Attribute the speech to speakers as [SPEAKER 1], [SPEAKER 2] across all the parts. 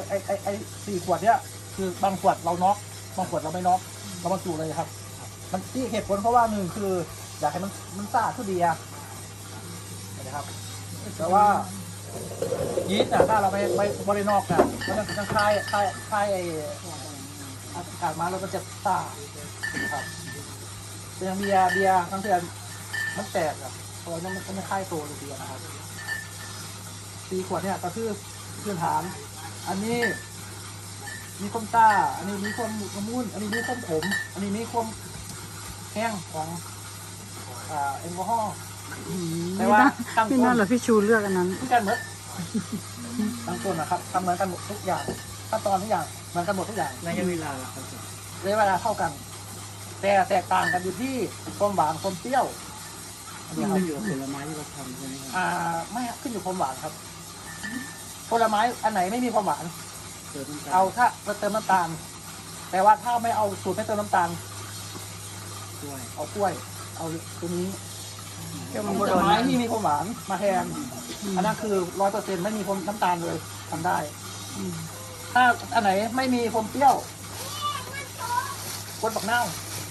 [SPEAKER 1] ไอ4 ขวดเนี้ยคือบางขวดเราน็อกบางขวดเราไม่น็อกเราบรรจุเลยครับมันที่เหตุผลเพราะว่าหนึ่งคืออยากให้มันสะอาดทุกดีนะครับแต่ว่ายีสต์ถ้าเราไม่บริโนอกเนี่ยมันจะคลายไออากาศมาแล้วมันจะซ่าครับแต่ยังเบียร์ทั้งเดือนมันแตกอะเพราะว่ามันไม่คลายตัวเลยเบียร์นะครับ4 ขวดเนี่ยก็คือพื้นฐานอันนี้มีความต้าอันนี้มีความละมุนอันนี้มีความขมอันนี้มีความแห้งของแอลกอฮอล์แต่ว่าตั้ง
[SPEAKER 2] พี่
[SPEAKER 1] ต้
[SPEAKER 2] นั่น
[SPEAKER 1] น
[SPEAKER 2] เหรอพี่ชูเลือกอันนั้น
[SPEAKER 1] ที่กันหมดตั้งต้นนะครับทำเหมือนกันหมดทุกอย่างขั้นตอนทุกอย่างเหมือนกันหมดทุกอย่าง
[SPEAKER 3] ระยะเวลาครับ
[SPEAKER 1] ระยะเวลาเท่ากัน แต่แตกต่างกันอยู่ที่ความหวานความเปรี้ยวอันนี้ครับ
[SPEAKER 3] ขึ้นอยู่กับผลไม้ที่เราทำใช่ไหมครับ
[SPEAKER 1] ไม่ครับขึ้นอยู่ความหวานครับผลไม้อันไหนไม่มีความหวาน
[SPEAKER 3] เติมน้ำตาล
[SPEAKER 1] เอาถ้าเติมน้ำตาล แต่ว่าถ้าไม่เอาสูตรไม่เติมน้ำตาล
[SPEAKER 3] ด้วย
[SPEAKER 1] เอากล้วย เอาตัวนี้
[SPEAKER 2] เดี๋ยว
[SPEAKER 1] ผ
[SPEAKER 2] มัน
[SPEAKER 1] ล
[SPEAKER 2] บ่โดน
[SPEAKER 1] ไม้
[SPEAKER 2] นะ
[SPEAKER 1] ที่มีความหวานมาแทนอันนั้นคือ100%ไม่มีความน้ำตาลเลยทำได้ ถ้าอันไหนไม่มีความเปรี้ยวกดบักเน่าว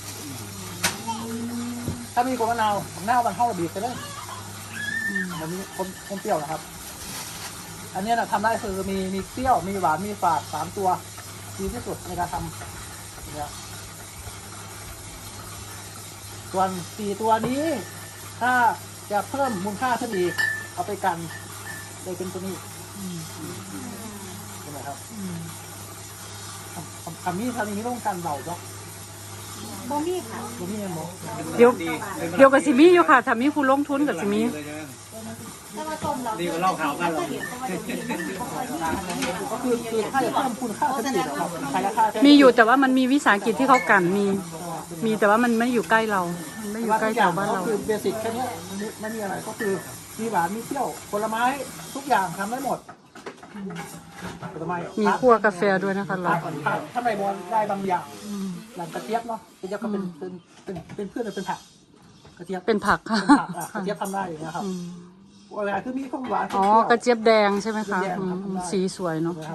[SPEAKER 1] ถ้ามีกดบักเน่าวบักเน่าวมันเข้าระบีบไปเลยมันมีความเปรี้ยวนะครับ อันนี้นะทำได้คือมีเปรี้ยวมีหวานมีฝาด3 ตัวดีที่สุดในการทำเนี่ยส่วน4 ตัวนี้ ถ้าจะเพิ่มมูลค่าขึ้นอีกเอาไปกันเลยเป็นตัวนี้ใช่ไหมครับคำนี้ทางนี้ต้องกันเบาจ้ะ
[SPEAKER 4] บ่มีค่ะ
[SPEAKER 1] ตัวนี้ยังโม
[SPEAKER 2] เดี๋ยวกับสิมีอยู่ค่ะถ้ามีผู้ลงทุนกับสิมี
[SPEAKER 4] ถ้ามาต้มเรา
[SPEAKER 3] ดีกว่าเหล้าขาวบ้านเรา
[SPEAKER 1] ก็คือถ้าจะเพิ่มคุณค่าขึ้นอีกนะครับขายราคาแพง
[SPEAKER 2] มีอยู่แต่ว่ามันมีวิสาหกิจที่เขากันมีแต่ว่ามันไม่อยู่ใกล้เรามันไม่อยู่ใกล้แถวบ้านเรา
[SPEAKER 1] ก็คือเบสิกแค่นี้ไม่มีอะไรก็คือมีหวานมีเปรี้ยวผลไม้ทุกอย่างทำได้หมดผลไม้
[SPEAKER 2] มีคั่วกาแฟด้วยนะคะเรา
[SPEAKER 1] ถ้าไม่บอลได้บางอย่างหลังกระเจี๊ยบเนาะกระเจี๊ยบก็เป็นพืชเป็นผักกระเจี๊ยบ
[SPEAKER 2] เป็นผักค่ะ
[SPEAKER 1] เป็นผักกระเจี๊ยบทำได้อย่างเงี้ยครับเวลาคือมีข้าวหวาน
[SPEAKER 2] อ๋อกระเจี๊ยบแดงใช่ไหมคะสีสวยเนาะ
[SPEAKER 1] นะครับ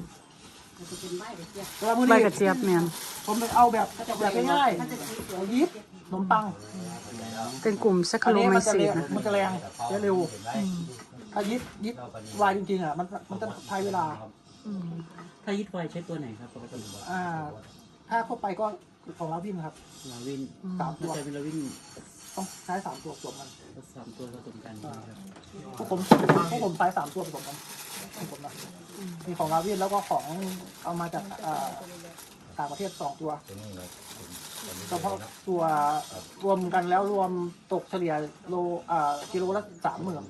[SPEAKER 2] ใบกระเจี๊ยบเนี่ย
[SPEAKER 1] ผมเอาแบบง่ายๆเอายีสต์ขนมปัง
[SPEAKER 2] เป็นกลุ่มแซคคาโรไมซีดนะ
[SPEAKER 1] มันจะแรงเร็วถ้ายิดวายจริงๆอ่ะมันจะใช้เวลา
[SPEAKER 3] ถ้ายึดไฟใช้ตัวไหนครับปกติ
[SPEAKER 1] ถ้าเข้าไปก็ของลาวินครับ
[SPEAKER 3] ลาวิน
[SPEAKER 1] 3 ตัว
[SPEAKER 3] ใช้เป็นลาวิน
[SPEAKER 1] ต้องใช้3 ตัวผสมกัน
[SPEAKER 3] 3 ตัวผสมกันนะครับ
[SPEAKER 1] พวกผมใช้3 ตัวผสมกันของผมนะมีของลาวินแล้วก็ของเอามาจากต่างประเทศ2 ตัวเฉพาะตัวรวมกันแล้วรวมตกเฉลี่ยกิโลละ30,000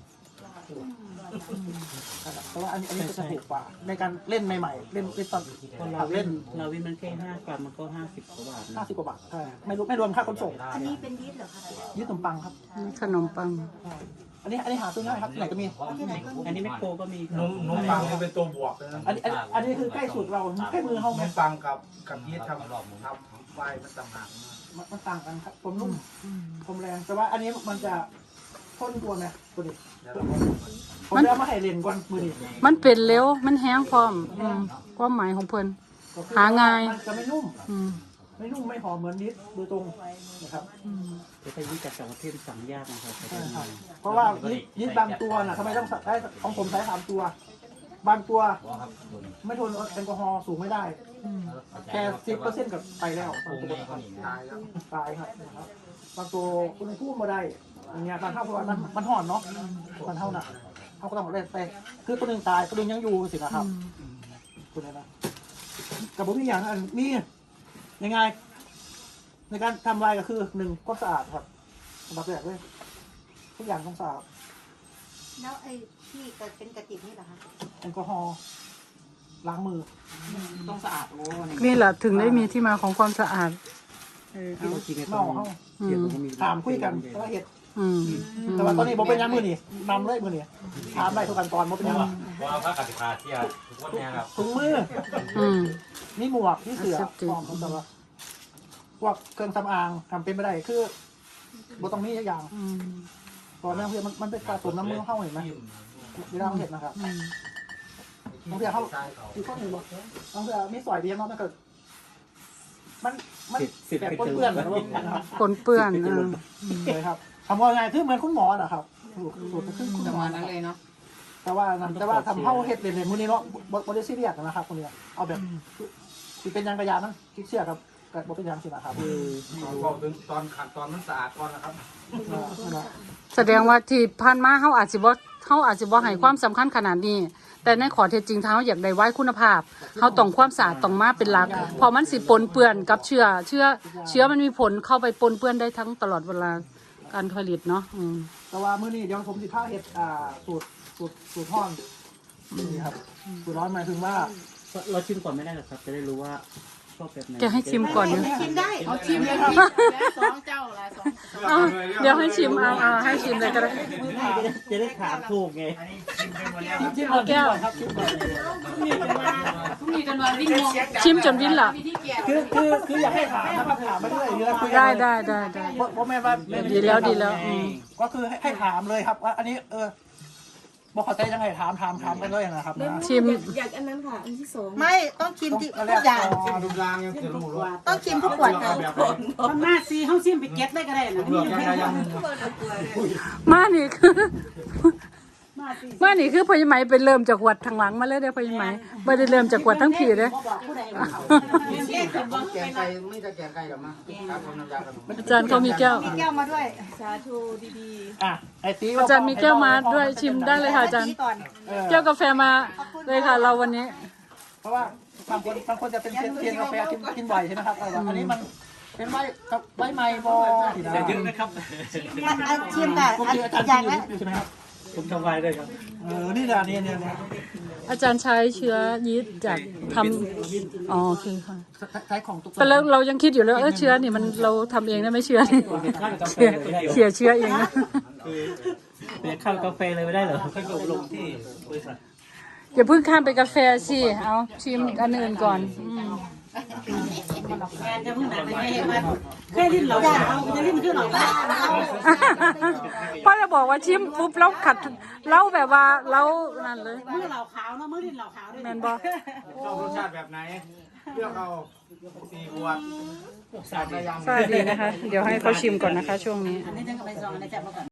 [SPEAKER 1] เพราะว่าอันนี้ก็จะถูกกว่าในการเล่นใหม่ๆเล่นตอน
[SPEAKER 3] ลาวิ
[SPEAKER 1] เล่
[SPEAKER 3] น
[SPEAKER 1] น
[SPEAKER 3] ลาวินมันแค่5 กรัมมันก็50 กว่าบาทนะ
[SPEAKER 1] 50 กว่าบาทใช่ไม่รวมค่าขนส่ง
[SPEAKER 4] อันนี้เป็นยีสต์เหรอคะ
[SPEAKER 1] ยึดขนมปังครับ
[SPEAKER 2] ขนมปัง
[SPEAKER 1] อันนี้หาซื้อง่ายครับที่ไหนก็มี
[SPEAKER 3] อันนี้แมคโครก็มี
[SPEAKER 5] นมปังนี่เป็นตัวบวกเลยนะ
[SPEAKER 1] อันนี้คือใกล้สุดเราใกล้มือเขา
[SPEAKER 5] นมปังกับยีสต์ทำไฟมันต่างหาก
[SPEAKER 1] มันต่างกันครับผมนุ่มผมแรงแต่ว่าอันนี้มันจะพ่นตัวไงตัวนี้ผมจะเอามาให้เรียนก่อนมือนี้
[SPEAKER 2] มันเป็นเร็วมันแห้งพร้อมความหมายของเพิ่น หาง่าย
[SPEAKER 1] มันจะไม่นุ่ม
[SPEAKER 2] อืม
[SPEAKER 1] ไม่นุ่มไม่หอมเหมือนนิดโดยตรงนะครับ
[SPEAKER 3] แต่ถ้ายึดจากต่างประเทศสั่งยากนะครับ
[SPEAKER 1] ใช่ครับเพราะว่ายิดบางตัวน่ะทำไมต้องใช้ของผมใช้3 ตัว บางตัวไม่ทนแอลกอฮอล์สูงไม่ได้แค่10%กับไปแล้วบางตัวครับ
[SPEAKER 5] ตายแล้ว
[SPEAKER 1] ตายครับนะครับบางตัวคุณพูดมาได้อย่างเงี้ยบางเท่าเพราะว่ามันห่อนเนาะมันเท่าน่ะเขาก็ต้องเล่นไปคือตัวหนึ่งตายตัวหนึ่งยังอยู่สินะครับตัวนี้นะกับผมมีอย่างนั้นมียังไงในการทำลายก็คือ1ก็สะอาดครับสำหรับแรกเลยทุกอย่างต้องสะอาด
[SPEAKER 4] แล้วไอ้ที่เป็นกระติกนี่เหรอคะ
[SPEAKER 1] แอลกอฮอล์ล้างมือต้องสะอาดโอ้ย
[SPEAKER 2] นี่แหละถึงได้มีที่มาของความสะอาด
[SPEAKER 3] ที่เรากินในตอ
[SPEAKER 1] เมาน เข้า
[SPEAKER 3] เทียบก็มี
[SPEAKER 1] ถามคุยกันแล้วเห็ด
[SPEAKER 2] อืม
[SPEAKER 1] แต่ว่าตอนนี้ผมเป็นยังมือนี่นำเลยมือนี่ถามได้ทุกขั้นตอนผมเป็นยัง
[SPEAKER 6] ว่าพระกติกาที่ทุกคนเนี่ยครับ
[SPEAKER 1] ถุงมือ
[SPEAKER 2] อืม
[SPEAKER 1] นี่หมวกนี่เสือ
[SPEAKER 2] Accepted
[SPEAKER 1] พร้อมสำหรับพวกเครื่องสำอางทำเป็นไม่ได้คือบ่ต้องมีอย่าง
[SPEAKER 2] อืม
[SPEAKER 1] ตอนนั้นเพื่อมันเป็นสะสมน้ำมือเข้าเห็นไหมเวลาเราเห็ดนะครับบางทีเขาคือข้อหนึ่งบอกบางทีมีสอยเดียวมันก็มันแบบปนเปื้อนนะครับ
[SPEAKER 2] ปนเปื้อน
[SPEAKER 1] เลยครับทำว่าไงคือเหมือนคุณหมอนะครับสูตรคือคุณหมอนั่นเลยเนาะแต่ว่าทำเข้าเห็ดเด่นๆพวกนี้เนาะบริซีเรียสนะครับพวกนี้เอาแบบที่เป็นยางกระยานะคิดเชื่อครับกับบเป็นยางสินะครับ
[SPEAKER 5] บอกถึงตอนขัดตอนมันสะอาดก่อนนะครับ
[SPEAKER 2] แสดงว่าที่ผ่านมาเขาอาจจะบ่ให้ความสำคัญขนาดนี้ แต่ในขอเท็จจริงเขาอยากได้ไว้คุณภาพเขาต้องความสะอาดต้องมาเป็นหลักพอมันสิปนเปื้อนกับเชื้อมันมีผลเข้าไปปนเปื้อนได้ทั้งตลอดเวลาการผลิตเนาะ
[SPEAKER 1] แต่ว่ามื้อนี้เดี๋ยวผมสิพาเห็ดสูตรห้องนี่ครับสูตรร้อนหมายถึงว่า
[SPEAKER 3] เราชิมก่อนไม่ได้หรอครับ จะได้รู้ว่าชอบแบบไหน
[SPEAKER 2] แกให้ชิมก่อนนะ
[SPEAKER 4] ชิมได้
[SPEAKER 1] เอาชิมเลยครับ
[SPEAKER 7] สองเจ้าละสอง
[SPEAKER 2] เอาเดี๋ยวให้ชิมเอาให้ชิมเลยก็ได้
[SPEAKER 3] จะได้ถามถูกไง
[SPEAKER 1] ชิมเอาแก้วครับชิมก่อน
[SPEAKER 7] มีกันมาวิ่งงง
[SPEAKER 2] ชิมจนวินละ
[SPEAKER 7] วิธีแก่
[SPEAKER 1] คืออยากให้ถามนะครับถามไปเรื่อยเรื่อยคุย
[SPEAKER 2] ได้
[SPEAKER 1] เพราะแม่ว่า
[SPEAKER 2] ดีแล้ว
[SPEAKER 1] ก็คือให้ถามเลยครับว่าอันนี้บอกเขาใจยังไงถามกันเลยนะครับนะ
[SPEAKER 2] ชิม
[SPEAKER 7] อยากอันนั้นค่ะอันที่สอง
[SPEAKER 4] ไม่ต้องชิมทุกอย่าง
[SPEAKER 5] ดูรางยังจะรู้ว่า
[SPEAKER 4] ต้องชิมทุกขวดค่ะ
[SPEAKER 7] มันมาซีเขาซิมไปเก็ตได้ก็ได้นะ
[SPEAKER 5] เลือกยังไงยัง
[SPEAKER 2] มานี่คือพญาไหมเป็นเริ่มจากขวดทางหลังมาเลยเด้อพญาไหมไม่ได้เริ่มจากขวดทั้งผีเลย
[SPEAKER 5] แกงไก่ไม่จะแกงไก่หรอมาครับผมน้ำยาครับ
[SPEAKER 2] อาจารย์เขามีแก้ว
[SPEAKER 4] มีแก้วมาด้วย
[SPEAKER 7] สาธุดี
[SPEAKER 1] ไอตี
[SPEAKER 2] อาจารย์มีแก้วมาด้วยชิมได้เลยค่ะอาจารย์
[SPEAKER 4] ก่อน
[SPEAKER 2] แก้วกาแฟมาเลยค่ะเราวันนี้
[SPEAKER 1] เพราะว่าบางคนจะเป็นเทียนกาแฟกินบ่อยใช่ไหมครับอันนี้มันเป็นใบไม้บอ
[SPEAKER 3] แต่เยอะนะครับ
[SPEAKER 4] ชิมแต่
[SPEAKER 1] ปกติอาจารย์
[SPEAKER 4] อย่าง
[SPEAKER 1] กิ
[SPEAKER 4] ละ
[SPEAKER 1] นใช่ไหมครับ
[SPEAKER 3] ผมทำไวด้วยครับ
[SPEAKER 1] นี่แหละนี่
[SPEAKER 2] อาจารย์ใช้เชื้อยีสต์จากทำโอเคค่ะ
[SPEAKER 1] ใช้ของตุ๊ก
[SPEAKER 2] แต่เรายังคิดอยู่เลยเชื้อนี่มันเราทำเองได้ไหมเชื้อนี่เสียเชื้อเองนะ
[SPEAKER 3] เป็นข้าวกาแฟเลยไม่ได้เหรอค่อยอบรมที่บริษัท
[SPEAKER 2] อย่าเพิ่งข้ามไปกาแฟสิเอาชิมอันอื่นก่อน
[SPEAKER 7] แอนจะเพิ่งหนักไม่เห็นมันแค่ลิ้นเราเอาจะลิ้นขึ้นหรอ
[SPEAKER 2] พ่อจะบอกว่าชิมปุ๊บแล้วขัดเล่าแบบว่าเล่านั่นเลย
[SPEAKER 7] มือเราขาวเนาะมือลิ้นเราขาวด้วย
[SPEAKER 2] แมนบอก
[SPEAKER 5] ชอบรสชาติแบบไหนเลือกเอา4 ขวด
[SPEAKER 2] สวัสดีนะคะ เดี๋ยวให้เขาชิมก่อนนะคะช่วงนี้
[SPEAKER 7] อันนี้จังกับไปซองอันนี้จับมาก่อน